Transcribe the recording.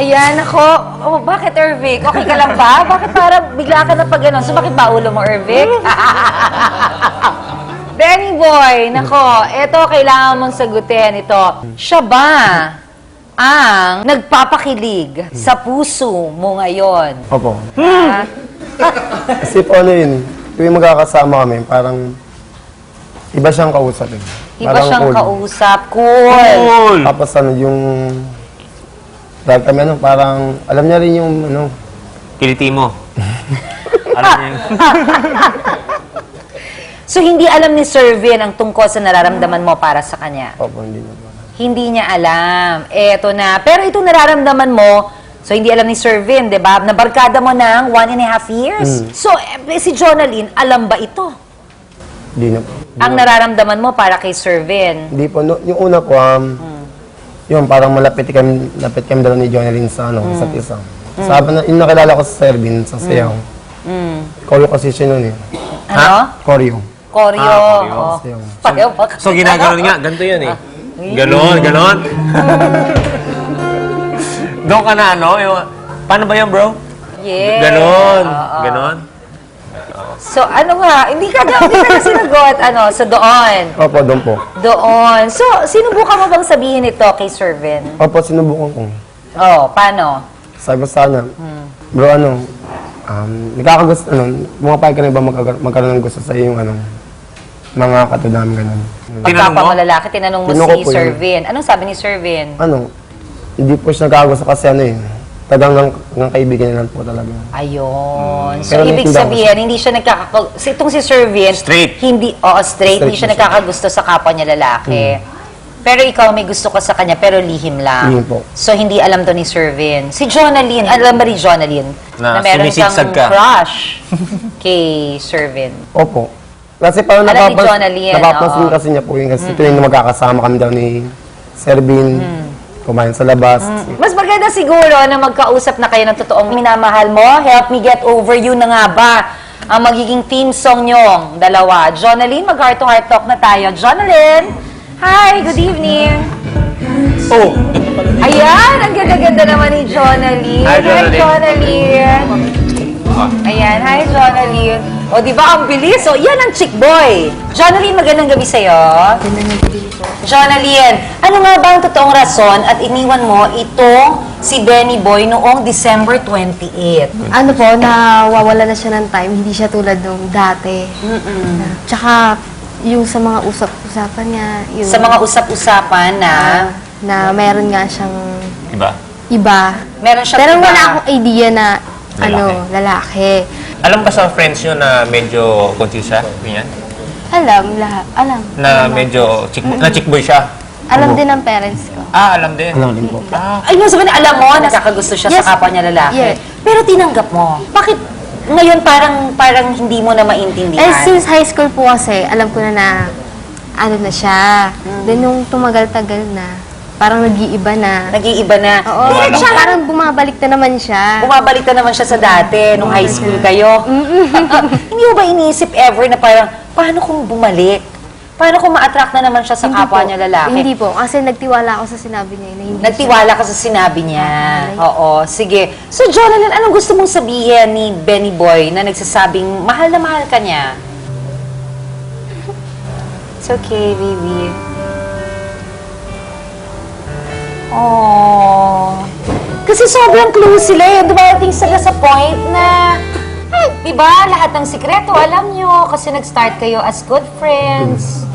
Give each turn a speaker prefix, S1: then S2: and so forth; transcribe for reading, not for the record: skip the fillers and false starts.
S1: Ayan, ako. Oh, bakit, Ervic? Okay ka lang ba? Bakit parang bigla ka na pag gano'n? Sumakit ba ulo mo, Ervic? Benny Boy, nako, ito kailangan mong sagutin ito. Siya ba ang nagpapakilig sa puso mo ngayon?
S2: Opo.
S1: Ha?
S2: Kasi po ano yun, tuwing magkakasama kami, parang iba siyang kausap eh.
S1: Iba
S2: Parang
S1: siyang
S2: cool.
S1: kausap. Cool.
S2: Tapos ano, yung... Dahil kami ano, parang... Alam niya rin yung ano...
S3: Kiliti mo. Alam niya yun.
S1: So, hindi alam ni Sir Vin ang tungkol sa nararamdaman mo para sa kanya?
S2: Opo, hindi na po.
S1: Hindi niya alam. Eto na. Pero itong nararamdaman mo, so hindi alam ni Sir Vin, di ba? Nabarkada mo ng 1.5 years. So, si Jonalyn, alam ba ito?
S2: Hindi na po.
S1: Ang nararamdaman mo para kay Sir Vin?
S2: Hindi po. No, yung una po, yun, parang lapit kami dalawa ni Jonalyn sa ano, isa't isa. Sabi na, yung nakilala ko sa Servin, sa Sayaw. Choreo kasi siya nun eh.
S1: Ano?
S2: Choreo.
S1: Koryo.
S3: koryo.
S1: Oh.
S2: Sayaw.
S1: Pareho ba?
S3: So, ginaganon nga. Ganito yun eh. Ganon, ganon. Doon ka na ano? Yung, paano ba yun, bro?
S1: Yeah.
S3: Ganon.
S1: Oo.
S3: Ganon.
S1: So, ano nga, hindi ka na sinagot, ano, so doon.
S2: Opo, doon po.
S1: Doon. So, sinubukan mo bang sabihin ito kay Sir Vin?
S2: Opo, sinubukan ko.
S1: Oh, paano?
S2: Sabi ko sana, bro, ano, nagkakagusto, pumapayag ka na ba magkaroon ng gusto sa yung, mga katudam, gano'n.
S3: Tinanong mo?
S1: Pagkapamalalaki, tinanong mo
S2: Tinanong ko
S1: si
S2: po
S1: Sir
S2: yun.
S1: Vin. Anong sabi ni Sir Vin?
S2: Hindi po siya nagkakagusto kasi tagang ng kaibigan niya lang po talaga.
S1: Ayun. So,
S2: Pero
S1: ibig
S2: naiintindihan ko
S1: sabihin, hindi siya nagkakagusto. Itong si Sir Vin,
S3: Straight.
S1: Hindi, straight. Hindi siya
S2: na siya.
S1: nagkakagusto sa kapwa niya lalaki. Pero ikaw may gusto ka sa kanya, pero lihim lang.
S2: Lihim po.
S1: So, hindi alam to ni Sir Vin. Si Jonalyn, alam ba rin Jonalyn?
S3: Na
S1: meron
S3: sumisigsag ka.
S1: crush kay Sir Vin.
S2: Opo. Kasi parang
S1: Alam ni Jonalyn,
S2: napapansin
S1: oo.
S2: kasi niya po yun kasi tuwing magkakasama kami daw ni Servin, kumain sa labas.
S1: Mas maganda siguro na magkausap na kayo ng totoong minamahal mo. Help Me Get Over You na nga ba ang magiging theme song nyong dalawa. Jonalyn, mag-heart to heart talk na tayo. Jonalyn! Hi, good evening!
S3: Oh!
S1: Ayan, ang ganda-ganda naman ni Jonalyn.
S3: Hi, Jonalyn.
S1: Jonalyn. Ayan, hi, Jonalyn. O, di ba ang bilis? O, yan ang chick boy. Jonalyn, magandang gabi sa'yo.
S4: Magandang gabi po.
S1: Jonalyn, ano nga ba ang totoong rason at iniwan mo itong si Benny Boy noong December 28?
S4: Ano po, nawawala na siya ng time. Hindi siya tulad nung dati. Tsaka, yung sa mga usap-usapan niya, yung
S1: Sa mga usap-usapan na
S4: na meron nga siyang
S3: Diba?
S4: iba.
S1: meron siya
S4: Pero wala akong idea na lalaki.
S3: Alam ba sa friends nyo na medyo confused siya? Ganyan?
S4: Alam lahat. Alam.
S3: Na medyo na chick boy siya?
S4: Alam din ng parents ko.
S3: Ah, alam din.
S2: Alam din po.
S1: Ay, yung sabihin, alam mo, nakakagusto siya
S4: Yes.
S1: sa kapwa niya lalaki.
S4: Yes.
S1: Pero tinanggap mo. Bakit ngayon parang hindi mo na maintindihan?
S4: Eh, since high school po kasi, alam ko na ano na siya. Then, nung tumagal-tagal na, parang nag-iiba na.
S1: Nag-iiba na.
S4: Oo,
S1: Pero siya,
S4: parang bumabalik na naman siya.
S1: bumabalik na naman siya sa dati, nung high school kayo. Hindi mo ba iniisip ever na parang, paano kung bumalik? Paano kung ma-attract na naman siya sa
S4: Hindi
S1: kapwa
S4: po.
S1: niya lalaki?
S4: Hindi po. Kasi nagtiwala ako sa sinabi niya na hindi
S1: Nagtiwala ka sa sinabi niya. Oo, sige. So, Jonalyn, anong gusto mong sabihin ni Benny Boy na nagsasabing mahal na mahal ka niya? It's okay, baby. Oh. Kasi sobrang close sila eh. Dumarating sila sa point na, di ba, lahat ng sikreto alam nyo kasi nag-start kayo as good friends.